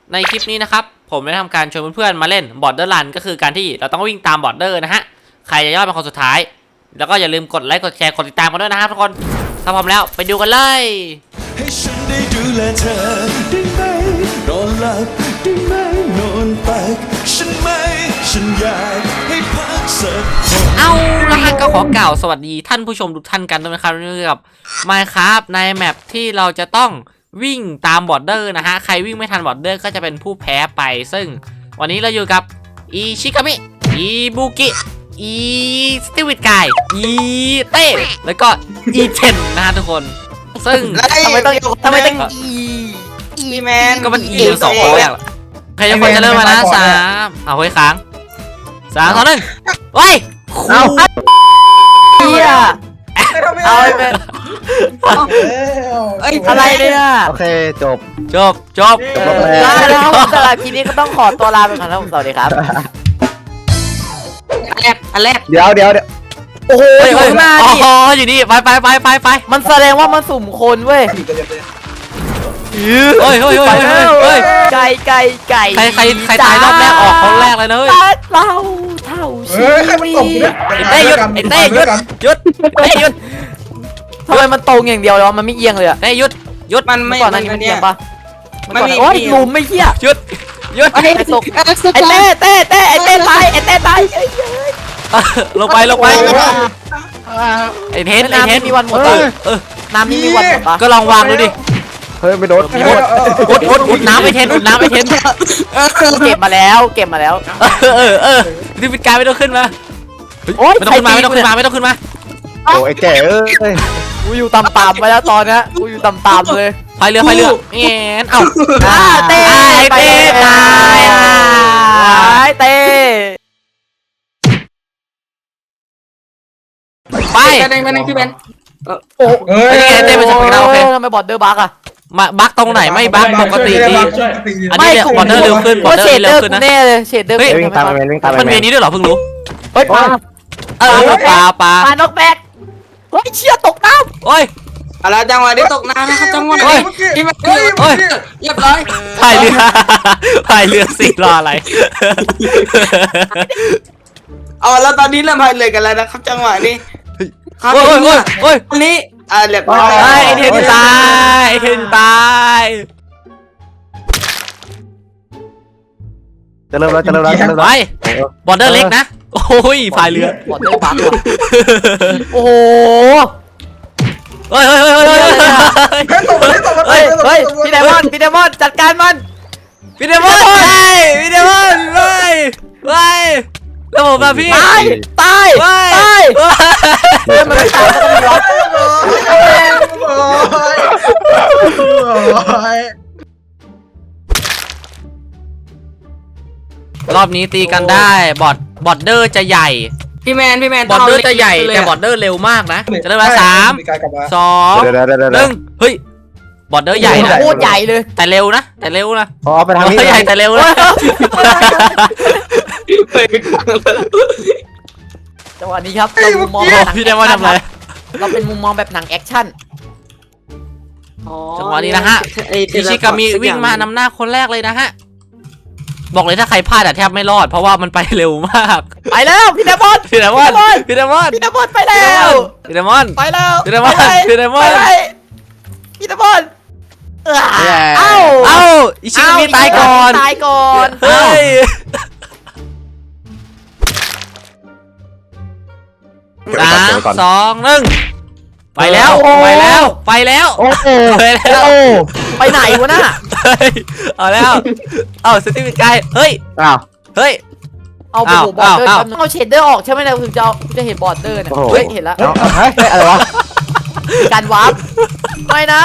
ในคลิปนี้นะครับผมได้ทำการชวนเพื่อนๆมาเล่นบอร์เดอร์รันก็คือการที่เราต้องวิ่งตามบอร์เดอร์นะฮะใครจะยอดเป็นคนสุดท้ายแล้วก็อย่าลืมกดไลค์กดแชร์กดติดตามกันด้วยนะครับทุกคนถ้าพร้อมแล้วไปดูกันเลยให้ฉันได้ดูแลเธอได้ไหมนอนหลับได้ไหมนอนตักฉันไม่ฉันอยากให้พักสักเอาละฮะก็ขอกล่าวสวัสดีท่านผู้ชมทุกท่านกันด้วยนะครับนี่กับ Minecraft ในแมปที่เราจะต้องวิ่งตามบอร์เดอร์นะฮะใครวิ่งไม่ทันบอร์เดอร์ก็จะเป็นผู้แพ้ไปซึ่งวันนี้เราอยู่กับอีชิกามิอีบุกิอีสติวิตกายอีเต้แล้วก็อีเทนนะฮะทุกคนซึ่งทำไมต้องอีแมนก็มันอีสองคนแรกใครจะคนจะเริ่มมานะสามเอาไว้ค้าง3 2 1เฮ้ยเอาเฮียเอาไอ้แมนอะไรเนี่ยโอเคจบแล้วสำหรับคลิปนี้ก็ต้องขอตัวลาไปก่อนนะผมสวัสดีครับอันแรกเดี๋ยวโอ้โหอยู่หน้าดิอ๋ออยู่นี่ไปมันแสดงว่ามันสุ่มคนเว้ยเฮ้ยไก่ใครตายรอบแรกออกคนแรกเลยนะเฮ้ยเราเท่าชีวิตเต้หยุดเต้หยุดทำไมมันตรงอย่างเดียวเลยวะมันไม่เอียงเลยอะเต้หยุดมันไม่ก่อนหน้านี้มันเอียงปะโอ้ยหลุมไม่เหี้ยหยุดไอ้ตกไอ้เต้ตายลงไปไอ้เทนมีวันหมดน้ำนี่มีวันหมดปะก็ลองวางดูดิเฮ้ยไม่โดนอุดน้ำไปเทนเก็บมาแล้วดิฟิกายไม่ต้องขึ้นมาไม่ต้องขึ้นมาโอ้ไอ้แก่กูอยู่ต่ำๆไปแล้วตอนนี้กูอยู่ต่ำๆเลยพายเรือเอ็นเอ้าเต้ตายเต้ไปพี่เบนโอ้ยเต้ไปชมกันโอเคทำไมบอร์เดอร์บั๊กอะมาบั๊กตรงไหนไม่บั๊กปกติดีอันนี้เนี่ยบอร์เดอร์เร็วขึ้นบอร์เดอร์เร็วขึ้นนะแน่เลยเชดเดอร์วิ่งตามมันมีนี้ด้วยเหรอเพิ่งรู้เฮ้ยปลานกแบกเฮ้ยเชี่ยตกน้ำโอ้ยอะไรจังหวะนี้ตกน้ำนะครับจังหวะนี้เรียบร้อยพายเรือสิรออะไรอ๋อแล้วตอนนี้เริ่มพายเรือกันแล้วนะครับจังหวะนี้โอ้ยอันนี้เรียบร้อยไอ้เทนตายจะเริ่มแล้วไปบอร์เดอร์เล็กนะโอ้ยพายเรือบอร์เดอร์บั๊กโอ้โหเฮ้ยพี่ไดมอนจัดการมันพี่เดมอนแล้วผมแบบพี่ตายมันไม่ตายก็ต้องร้องรอบนี้ตีกันได้บอร์เดอร์จะใหญ่พี่แมนบอร์เดอร์จะใหญ่แต่บอร์เดอร์เร็วมากนะจะได้มา3 2 1เฮ้ยบอร์เดอร์ใหญ่นะโคตรใหญ่เลยแต่เร็วนะอ๋อไปทางนี้ใหญ่แต่เร็วนะจังหวะนี้ครับเรามุมมองพี่ได้ว่าทำอะไรเราเป็นมุมมองแบบหนังแอคชั่นจังหวะนี้นะฮะอิชิกามิวิ่งมานำหน้าคนแรกเลยนะฮะบอกเลยถ้าใครพลาดแทบไม่รอดเพราะว่ามันไปเร็วมากไปแล้วพี่เดมอนไปแล้วพี่เดมอนพี่เดมอนไปแล้วเอ้าอิชิกามิตายก่อนเฮ้ย3 2 1ไปแล้วโอ้ไปไหนวะน่ะเอาแล้วสติวิกายเฮ้ยเอาบอร์เดอร์เอาเชดเดอร์ออกใช่ไหมนะถึงจะเห็นบอร์เดอร์เนี่ยเฮ้ยเห็นแล้วอะไรวะการวาร์ปไม่นะ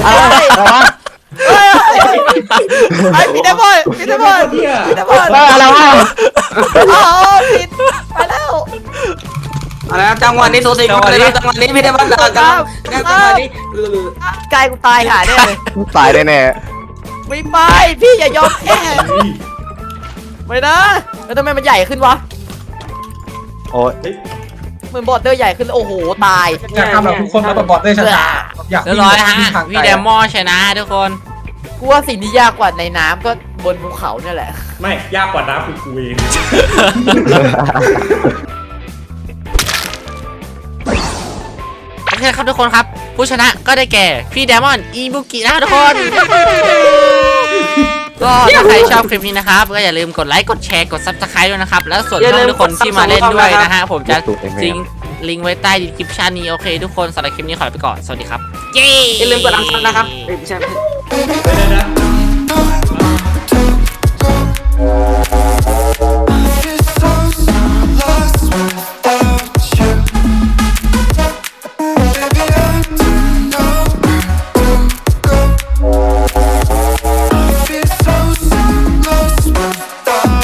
พี่เดมอนอะไรวะผิดไปแล้วจังหวะนี้โซซิจังหวะนี้พี่เดมอนจังหวะนี้กายกูตายหาแน่เลยตายแน่ไม่ไปพี่อย่ายอมแพ้ไม่นะแล้วทำไมมันใหญ่ขึ้นวะโอ้ยเหมือนบอร์เดอร์ใหญ่ขึ้นโอ้โหตายอยากทำแบบทุกคนมาบอร์เดอร์ชนะเรียบร้อยฮะพี่เดมอนชนะทุกคนกูว่าสิ่งที่ยากกว่าในน้ำก็บนภูเขาเนี่ยแหละไม่ยากกว่าน้ำคือกูเองโอเคครับทุกคนครับ ผู้ชนะก็ได้แก่พี่เดมอนอีบุกินะครับทุกคน ก็ถ้าใครชอบคลิปนี้นะครับก็อย่าลืมกดไลค์กดแชร์กด Subscribe ด้วยนะครับแล้วส่วนช่องทุกคนที่มาเล่นด้วยนะฮะผมจะทิ้งลิงก์ไว้ใต้ดีคริปชั่นนี้โอเคทุกคนสำหรับคลิปนี้ขอลาไปก่อนสวัสดีครับเย้อย่าลืมกดอันซับนะครับไม่ใช่เดี๋ยวนะ